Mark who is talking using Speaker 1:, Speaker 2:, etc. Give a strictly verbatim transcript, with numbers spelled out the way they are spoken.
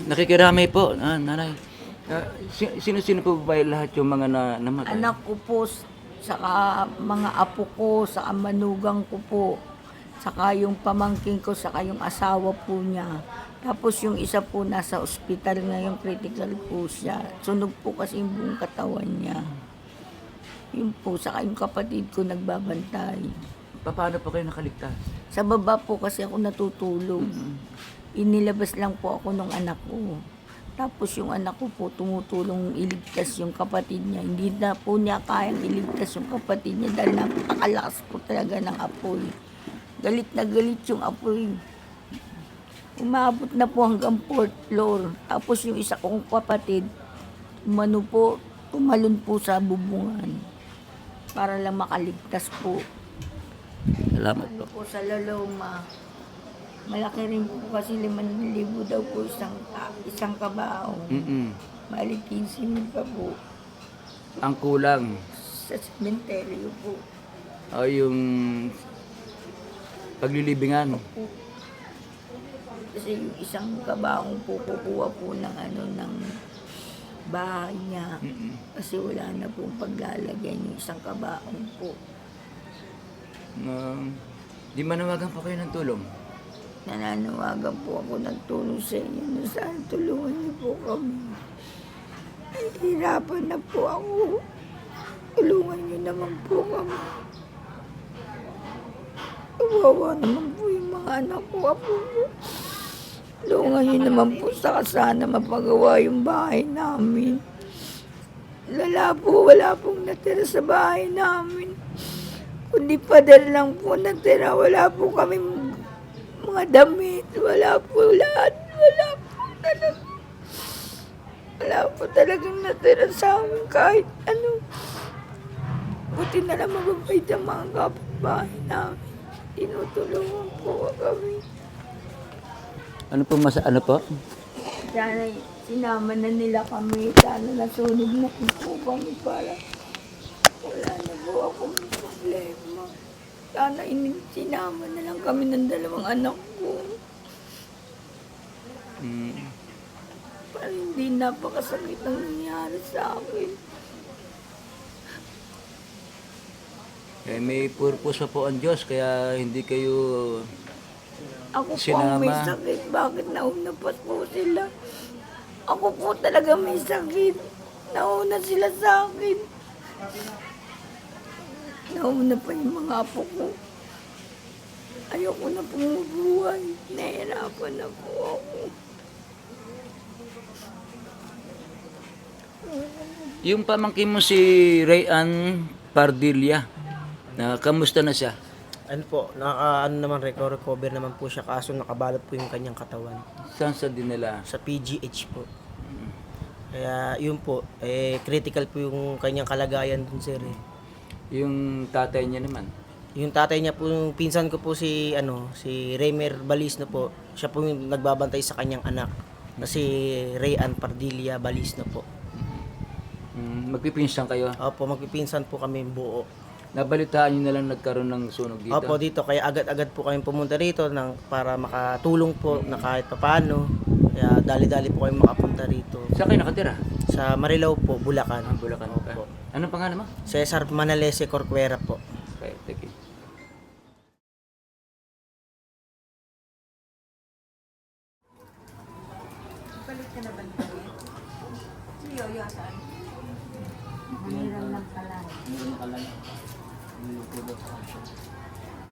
Speaker 1: Nakikiramay po, ah, nanay. Ah, si- sino-sino po ba lahat yung mga na, namatay?
Speaker 2: Anak ko po, saka mga apo ko, saka manugang ko po, saka yung pamangkin ko, saka yung asawa po niya. Tapos yung isa po nasa ospital ngayon, critical po siya. Sunog po kasi yung buong katawan niya. Yun po, saka yung kapatid ko nagbabantay.
Speaker 1: Pa- Paano po kayo nakaligtas?
Speaker 2: Sa baba po kasi ako natutulog. Inilabas lang po ako ng anak ko. Tapos yung anak ko po tumutulong iligtas yung kapatid niya. Hindi na po niya kayang iligtas yung kapatid niya dahil napakalakas po talaga ng apoy. Galit na galit yung apoy. Umabot na po hanggang fourth floor. Tapos yung isa kong kapatid, umano po, tumalon po sa bubungan para lang makaligtas po.
Speaker 1: Salamat
Speaker 2: Ano
Speaker 1: po.
Speaker 2: po sa Laloma. Malaki rin po kasi limang libo daw po isang, ah, isang kabao.
Speaker 1: Mm-mm.
Speaker 2: Bali, quinze mil pa po
Speaker 1: Ang kulang
Speaker 2: sa sementeryo po.
Speaker 1: ay yung paglilibingan.
Speaker 2: Kasi yung isang kabaong po kukuha po ng ano ng bahay niya.
Speaker 1: Mm-mm.
Speaker 2: Kasi wala na pong paglalagyan yung isang kabaong po.
Speaker 1: Um, di manawagan po kayo ng tulong.
Speaker 2: Nananawagan po ako ng tulong sa inyo na saan tulungan niyo po kami. Hirapan na po ako. Tulungan niyo naman po kami. Kawawa naman po yung mga anak ko. Apo po. Tulungan niyo naman po sa sana mapagawa yung bahay namin. Lala po, wala pong natira sa bahay namin. Kundi pader lang po natira. Wala po kami mga damit. Wala po lahat. Wala po talaga. Wala po talagang natira sa amin kahit ano. Buti na lang mababait ang mga kapitbahay namin. Tinutulungan po kami.
Speaker 1: Ano po mas ano po?
Speaker 2: Sana sinama na nila kami. Sana nasunog na po kami para wala na po akong problema. Sana in- sinama na lang kami ng dalawang anak ko.
Speaker 1: Mm.
Speaker 2: Para hindi napakasakit ang nangyari sa akin.
Speaker 1: Eh, may purpose pa po ang Diyos kaya hindi kayo
Speaker 2: Ako po ang may
Speaker 1: Sinama.
Speaker 2: sakit. Bakit nauna pa po sila? Ako po talaga may sakit. Nauna sila sa akin. Nauna pa yung mga apo ko. Ayoko na pumubuhay. Nahihirapan na po ako.
Speaker 1: yung pamangkin mo si Rayan Pardilla. Na kamusta na siya?
Speaker 3: Ano po, naka, ano naman, reco- recover naman po siya kaso nakabalot po yung kanyang katawan
Speaker 1: Saan sa dinala?
Speaker 3: sa P G H po. Kaya yun po, eh, critical po yung kanyang kalagayan dun sir eh.
Speaker 1: Yung tatay niya naman.
Speaker 3: Yung tatay niya po, yung pinsan ko po si, ano, si Raymer Balisno po, siya po yung nagbabantay sa kanyang anak. Kasi Rayan Pardilla Balisno po.
Speaker 1: Mm, magpipinsan kayo.
Speaker 3: Opo, magpipinsan po kami buo.
Speaker 1: Nabalitaan niyo na lang nagkaroon ng sunog dito.
Speaker 3: Opo, dito, kaya agad-agad po kami pumunta rito ng, para makatulong po na kahit papano. Kaya dali-dali po kami makapunta rito.
Speaker 1: Saan kayo nakatira?
Speaker 3: Sa Marilao po, Bulacan.
Speaker 1: Ah, Bulacan pa.
Speaker 3: Opo.
Speaker 1: Anong pangalan mo?
Speaker 3: Cesar Manalese Corcuera po.
Speaker 1: Okay, thank you.
Speaker 2: Mahirap lang pala.
Speaker 1: Meron ka lang. Yung